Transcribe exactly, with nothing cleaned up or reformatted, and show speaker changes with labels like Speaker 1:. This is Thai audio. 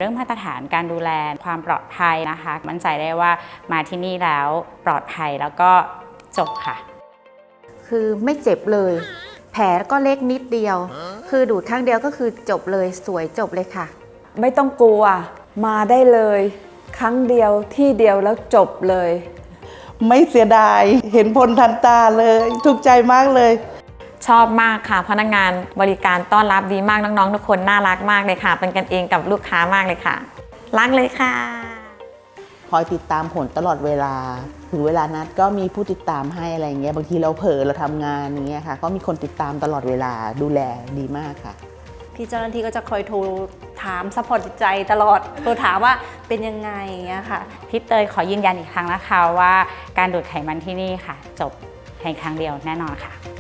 Speaker 1: รื่องมาตรฐานการดูแลความปลอดภัยนะคะมั่นใจได้ว่ามาที่นี่แล้วปลอดภัยแล้วก็จบค่ะ
Speaker 2: คือไม่เจ็บเลยแผลก็เล็กนิดเดียวคือดูดครั้งเดียวก็คือจบเลยสวยจบเลยค่ะ
Speaker 3: ไม่ต้องกลัวมาได้เลยครั้งเดียวที่เดียวแล้วจบเลย
Speaker 4: ไม่เสียดายเห็นผลทันตาเลยถูกใจมากเลย
Speaker 1: ชอบมากค่ะพนักงานบริการต้อนรับดีมากน้องๆทุกคนน่ารักมากเลยค่ะเป็นกันเองกับลูกค้ามากเลยค่ะรักเลยค่ะ
Speaker 4: คอยติดตามผลตลอดเวลาถึงเวลานัดก็มีผู้ติดตามให้อะไรเงี้ยบางทีเราเผลอเราทำงานอย่างเงี้ยค่ะก็มีคนติดตามตลอดเวลาดูแลดีมากค่ะ
Speaker 5: พี่เจ้าหน้าที่ก็จะคอยโทรถามซัพพอร์ตจิตใจตลอดโทรถามว่าเป็นยังไงอย่างเงี้ยค่ะ
Speaker 1: พี่เตยขอยืนยันอีกครั้งนะคะว่าการดูดไขมันที่นี่ค่ะจบในครั้งเดียวแน่นอนค่ะ